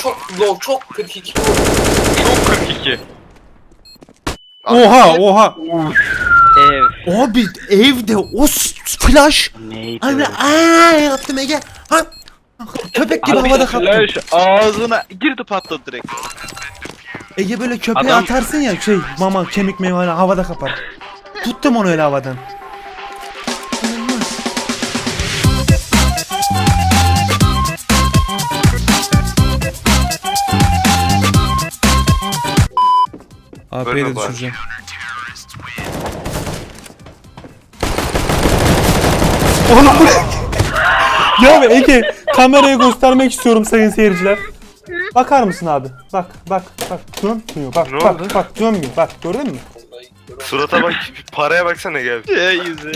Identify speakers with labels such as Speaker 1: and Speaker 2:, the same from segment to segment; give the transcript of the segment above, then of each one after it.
Speaker 1: çok low, çok 42.
Speaker 2: Çok 42.
Speaker 3: Oha.
Speaker 2: Ev.
Speaker 3: Abi evde o flash.
Speaker 2: Neydi?
Speaker 3: Abi yaptım Ege. Ha. Köpek gibi
Speaker 2: Abi
Speaker 3: havada kaptım.
Speaker 2: flash ağzına girdi patladı direkt.
Speaker 3: Ege böyle köpeğe
Speaker 2: Adam-
Speaker 3: atarsın ya mama kemik meyve havada kapar. Tuttum onu öyle havadan. AP'yi de düşüreceğim. Oğlum bu ne? Ya Ege kamerayı göstermek istiyorum sayın seyirciler. Bakar mısın abi? Bak. Dönmüyor. Bak dönmüyor. Bak gördün mü?
Speaker 4: Surata bak, paraya baksana gel.
Speaker 2: Yüzü.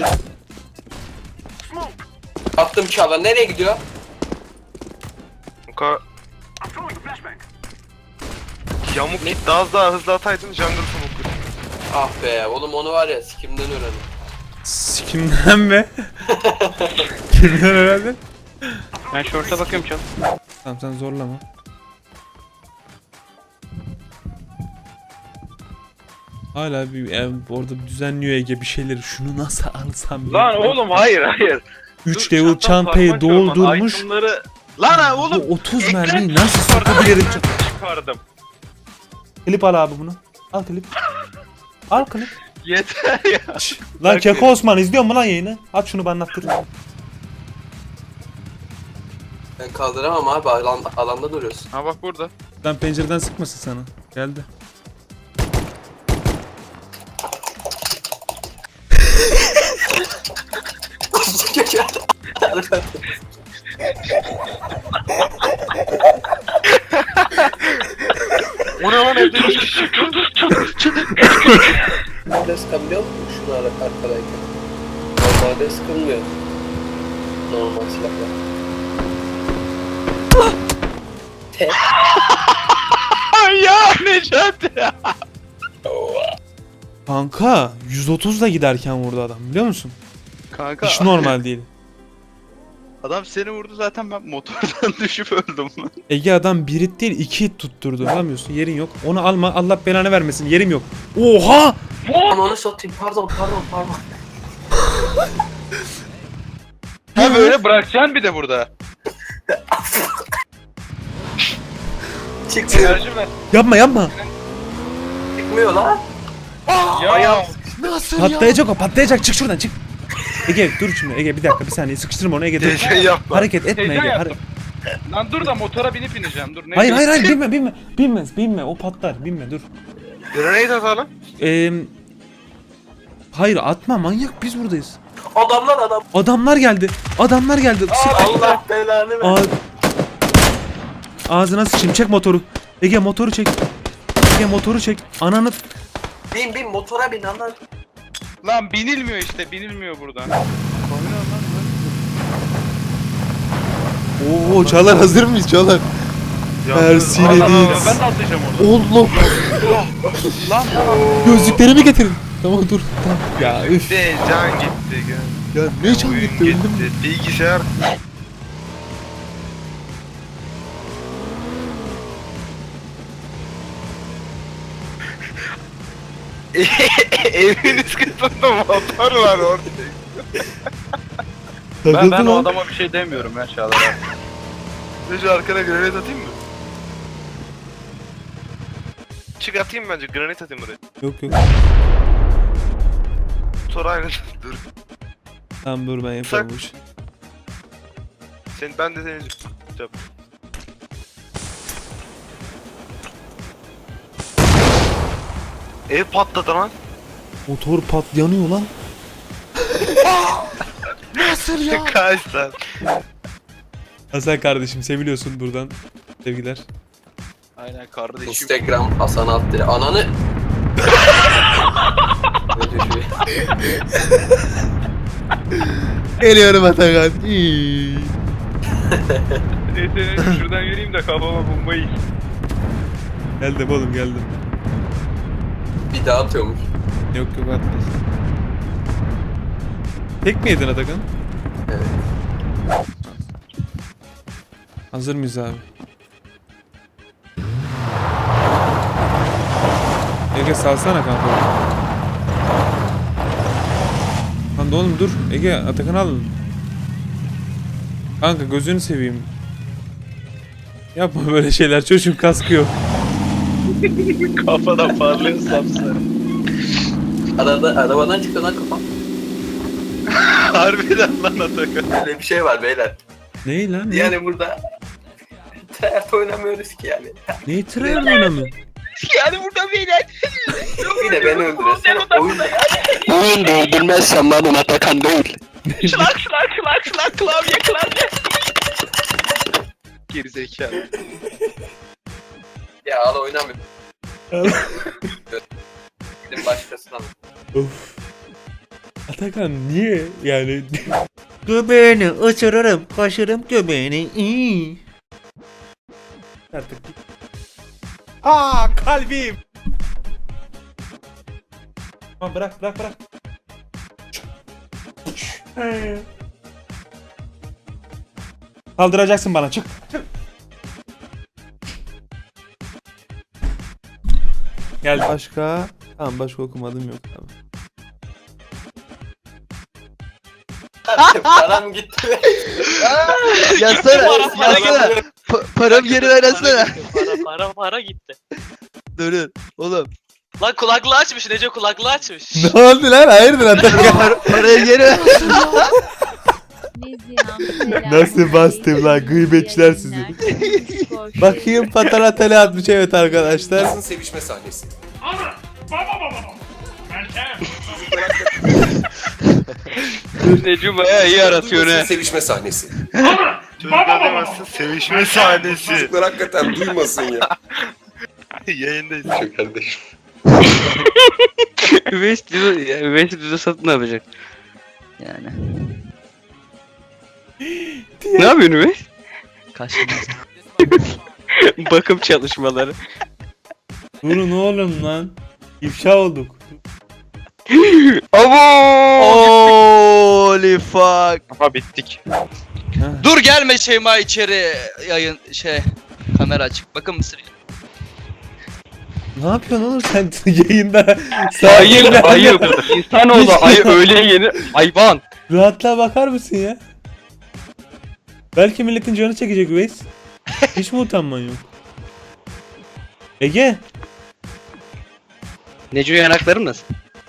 Speaker 1: Attım Çağla, nereye gidiyor?
Speaker 4: Kanka. Yamuk git daha hızlı ataydın jungle smoke'u.
Speaker 1: Ah be oğlum, onu var ya sikimden öğrendim.
Speaker 3: Kimden mi? Kimden öğrendin?
Speaker 2: Ben short'a bakıyorum çok.
Speaker 3: Tamam sen zorlama. Hala orada düzenliyor Ege bir şeyleri. Şunu nasıl alsam ya?
Speaker 2: Lan oğlum hayır.
Speaker 3: 3
Speaker 2: Dur,
Speaker 3: level
Speaker 2: çantam
Speaker 3: çantayı
Speaker 2: parmak yok lan.
Speaker 3: doldurmuş.
Speaker 2: Itemları... Lan oğlum.
Speaker 3: Bu 30
Speaker 2: ekran
Speaker 3: mermiyi nasıl
Speaker 2: çıkardım.
Speaker 3: sokabilirim?
Speaker 2: Çıkardım.
Speaker 3: Klip al abi bunu. Al klip. Al klip.
Speaker 2: Yeter ya.
Speaker 3: Lan Keko Osman izliyor mu lan yayını? Aç şunu bana anlattır.
Speaker 1: Ben kaldıramam abi, alanda duruyorsun.
Speaker 2: Ha bak burada.
Speaker 3: Lan pencereden sıkmasın sana. Geldi.
Speaker 4: O ne lan evde 3 kişi?
Speaker 1: Normalde sıkabiliyor musun şunu arkadayken? Normalde sıkılmıyor. Normal silahla. Tek.
Speaker 2: Ya Necati ya.
Speaker 3: Kanka 130'la giderken vurdu adam biliyor musun?
Speaker 2: Kanka.
Speaker 3: Hiç normal değil.
Speaker 2: Adam seni vurdu zaten, ben motordan düşüp öldüm lan.
Speaker 3: Ege adam bir hit değil 2 hit tutturdu. Alamıyorsun yerin yok. Onu alma Allah belanı vermesin yerim yok. Oha!
Speaker 1: Onu satayım, pardon.
Speaker 2: Ha böyle bırakacaksın bir de burada.
Speaker 1: Çıkmıyor.
Speaker 2: Enerji ver.
Speaker 3: Yapma.
Speaker 1: Çıkmıyor lan.
Speaker 2: Ya.
Speaker 1: Nasıl
Speaker 3: Patlayacak çık şuradan çık. Ege dur şimdi Ege bir dakika bir saniye sıkıştırma onu Ege dur.
Speaker 4: Şey yapma.
Speaker 3: Hareket etme
Speaker 2: Heyecan
Speaker 3: Ege.
Speaker 2: yaptım. Lan dur da motora binip ineceğim, dur. Ne
Speaker 3: Hayır binme o patlar binme dur.
Speaker 4: Grenade atalım.
Speaker 3: Hayır atma manyak biz buradayız.
Speaker 1: Adam.
Speaker 3: Adamlar geldi. Sık.
Speaker 1: Allah belanı ver.
Speaker 3: Ağzına sıçayım çek motoru. Ege motoru çek. Ananı.
Speaker 1: Bin motora bin anlar.
Speaker 2: Lan binilmiyor işte, binilmiyor buradan.
Speaker 3: Oo Çağlar hazır mıyız Çağlar? Ersin'e değil.
Speaker 2: Ben de atlayacağım orada.
Speaker 3: Oğlum
Speaker 2: Lan
Speaker 3: gözlüklerimi getirin. Tamam dur. Tamam. Ya üf.
Speaker 4: De can gitti.
Speaker 3: Ya ne can
Speaker 4: Oyun
Speaker 3: gitti öldüm mü?
Speaker 4: Bilgisayar. Evin üst katında motor var orada.
Speaker 2: ben
Speaker 3: Takıldı
Speaker 2: o
Speaker 3: lan.
Speaker 2: adama bir şey demiyorum ya Çağlar abi.
Speaker 4: Ne şu arkana granate atayım mı? Çık atayım bence, granate atayım buraya.
Speaker 3: Yok.
Speaker 4: Motor aynı. Dur.
Speaker 3: Tamam dur ben yaparım bu işi.
Speaker 4: Ben de seni yap. Ev patladı lan.
Speaker 3: Motor yanıyor lan. Nasıl ya?
Speaker 4: Kaç lan.
Speaker 3: Hasan kardeşim seviliyorsun buradan. Sevgiler.
Speaker 2: Aynen kardeşim.
Speaker 1: Instagram Hasan Altdere. Ananı.
Speaker 3: Geliyorum Atakan.
Speaker 2: Neyse şuradan yürüyeyim de kafama bombayı yiyin.
Speaker 3: Geldim oğlum geldim.
Speaker 1: Bir daha atıyormuş.
Speaker 3: Yok atmaz. Tek mi yedin Atakan?
Speaker 1: Evet.
Speaker 3: Hazır mıyız abi? Ege salsana kanka. Lan da oğlum dur. Ege Atakan'ı alın. Kanka gözünü seveyim. Yapma böyle şeyler. Çocuğun kaskı yok.
Speaker 2: Kafadan parlıyor sapsarı.
Speaker 1: Arabadan çıktı lan kafam.
Speaker 2: Harbiden lan Atakan.
Speaker 1: Öyle bir şey var beyler.
Speaker 3: Ney lan? Ne?
Speaker 1: Yani burada tryhard oynamıyoruz ki yani.
Speaker 3: Neyi tırıyor oynamıyor?
Speaker 2: Yani burada beyler.
Speaker 1: Bir de beni öldürüyorsun. Oyunda
Speaker 5: Oyunda öldürmezsem benim Atakan değil.
Speaker 2: Şlak klavye. Gerizekalı.
Speaker 1: ya al oynamıyor. Gidin başkasına.
Speaker 3: Of. Atakan niye yani? Göbeğini ısırırım, kaşırım göbeğini. İyi. Artık. Aa kalbim. Tamam bırak. Kaldıracaksın bana çık. Gel başka. Tamam başka okumadım yok tamam.
Speaker 1: Param gitti.
Speaker 5: Yazsana. Param geri ver yazsana.
Speaker 6: Para gitti.
Speaker 5: Dur. Oğlum.
Speaker 6: Lan kulaklığı açmış Neco, kulaklığı açmış.
Speaker 3: Ne oldu lan? Hayırdır Atakan?
Speaker 5: Parayı geri ver.
Speaker 3: Nasıl bastım lan gıybetçiler sizi. Bakayım patara tele atmış evet arkadaşlar.
Speaker 1: Sevişme sahnesi.
Speaker 2: Necum bayağı iyi aratıyor ne?
Speaker 1: Sevişme sahnesi.
Speaker 4: Çocuklar demezsin sevişme sahnesi.
Speaker 1: Çocuklar hakikaten duymasın ya.
Speaker 4: Yayındayız.
Speaker 1: Şu kardeşim.
Speaker 5: Üveysi düze satın ne yapacak? Yani. Ne yapıyorsun Üveys? Kaçınmaz. Bakım çalışmaları.
Speaker 3: Durun oğlum lan. İfşa olduk.
Speaker 5: Holy fuck.
Speaker 2: Aha bittik.
Speaker 5: Dur gelme Şeyma içeri yayın kamera açık. Bakın mısır.
Speaker 3: Ne yapıyorsun oğlum sen yayında?
Speaker 5: Ayı. İnsanoğlu ayı öyle yeni hayvan.
Speaker 3: Rahatlığa bakar mısın ya? Belki milletin canı çekecek Üveys. Hiç mi utanman yok? Ege.
Speaker 5: Necu yanaklarım nasıl?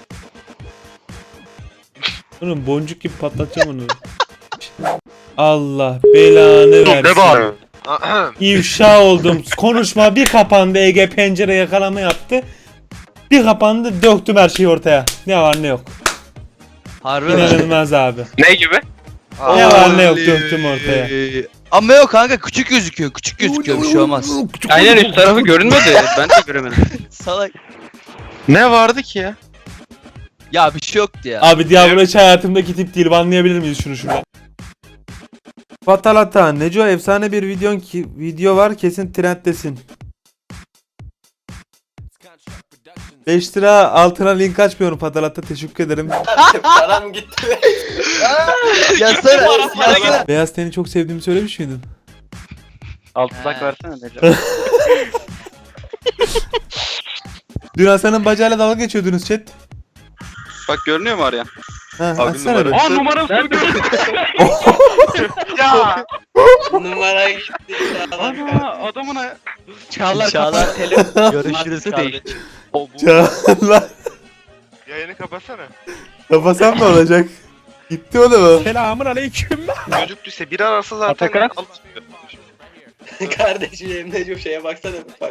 Speaker 3: Oğlum boncuk gibi patlatacağım onu. Allah belanı versin. İfşa oldum. Konuşma bir kapandı Ege pencere yakalama yaptı. Bir kapandı döktüm her şeyi ortaya. Ne var ne yok.
Speaker 5: Harbi mi?
Speaker 3: İnanılmaz abi.
Speaker 2: Ne gibi?
Speaker 3: Ne var ne yok döktüm ortaya.
Speaker 5: Ama yok kanka küçük gözüküyor. Küçük gözüküyor bir şey olmaz.
Speaker 2: Aynen üst tarafı görünmedi. Ben de göremedim.
Speaker 5: Salak.
Speaker 2: Ne vardı ki ya?
Speaker 5: Ya bir şey yoktu ya.
Speaker 3: Abi Diablo hiç hayatımdaki tip değil. Anlayabilir miyiz şunu şuradan? Fatalata, Neco efsane bir video var kesin trenddesin. 5 lira altına link açmıyorum Fatalata teşekkür ederim.
Speaker 1: Param gitti.
Speaker 5: Yazsana.
Speaker 3: Beyaz teni çok sevdiğimi söylemiş miydin?
Speaker 2: Altından versene Necum.
Speaker 3: Dün Hasan'ın bacağıyla dalga geçiyordunuz chat.
Speaker 2: Bak görünüyor mu Aryan?
Speaker 3: Ha,
Speaker 2: Abi
Speaker 3: açsana bir.
Speaker 2: Aa numaram sürdü. Ya.
Speaker 1: Numara gitti.
Speaker 2: Ana adamın
Speaker 5: Çağlar. Görüşürüz kardeşim.
Speaker 3: Çağlar.
Speaker 4: Yayını kapatsana.
Speaker 3: Kapasam ne olacak? Gitti oğlum.
Speaker 4: Selamun aleyküm. Çocuk düşse biri arası zaten.
Speaker 2: Atakan.
Speaker 1: Kardeşim Necum şeye baksana. Bak.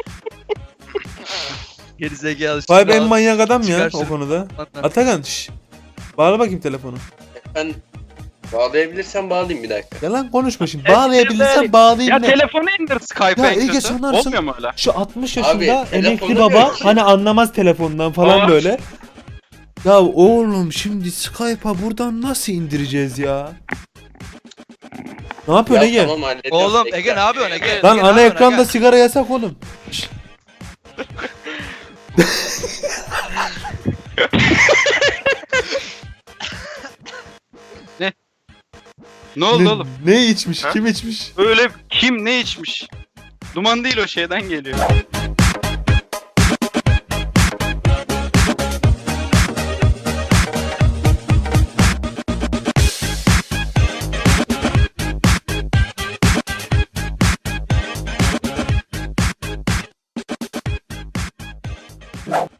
Speaker 5: Gerizekalı.
Speaker 3: Vay be en manyak adam ya
Speaker 5: Çıkarsın.
Speaker 3: o konuda. Atakan şşş. Bağla bakayım telefonu.
Speaker 1: Ben bağlayabilirsem bağlayayım bir dakika.
Speaker 3: Yalan konuşma şimdi. Bağlayabilirsen bağlayayım
Speaker 2: Ya
Speaker 3: ne?
Speaker 2: telefonu indir Skype'a
Speaker 3: Ya
Speaker 2: en
Speaker 3: Ege
Speaker 2: kötü.
Speaker 3: sanarsın.
Speaker 2: Olmuyor mu öyle?
Speaker 3: Şu 60
Speaker 1: Abi,
Speaker 3: yaşında emekli
Speaker 1: telefonda
Speaker 3: baba
Speaker 1: yok.
Speaker 3: hani anlamaz telefondan falan
Speaker 2: Aa.
Speaker 3: böyle. Ya oğlum şimdi Skype'a buradan nasıl indireceğiz ya? Ne yapıyorsun Ege?
Speaker 1: Tamam hallediyorum.
Speaker 5: Oğlum
Speaker 1: Bekle.
Speaker 5: Ege ne yapıyorsun Ege?
Speaker 3: Lan
Speaker 5: Ege,
Speaker 3: ana
Speaker 5: ne yapıyorsun
Speaker 3: ekranda
Speaker 5: Ege?
Speaker 3: sigara yasak oğlum. Şşt.
Speaker 2: Ne oldu oğlum?
Speaker 3: Ne içmiş?
Speaker 4: Ha?
Speaker 3: Kim içmiş?
Speaker 2: Öyle kim ne içmiş? Duman değil o şeyden geliyor.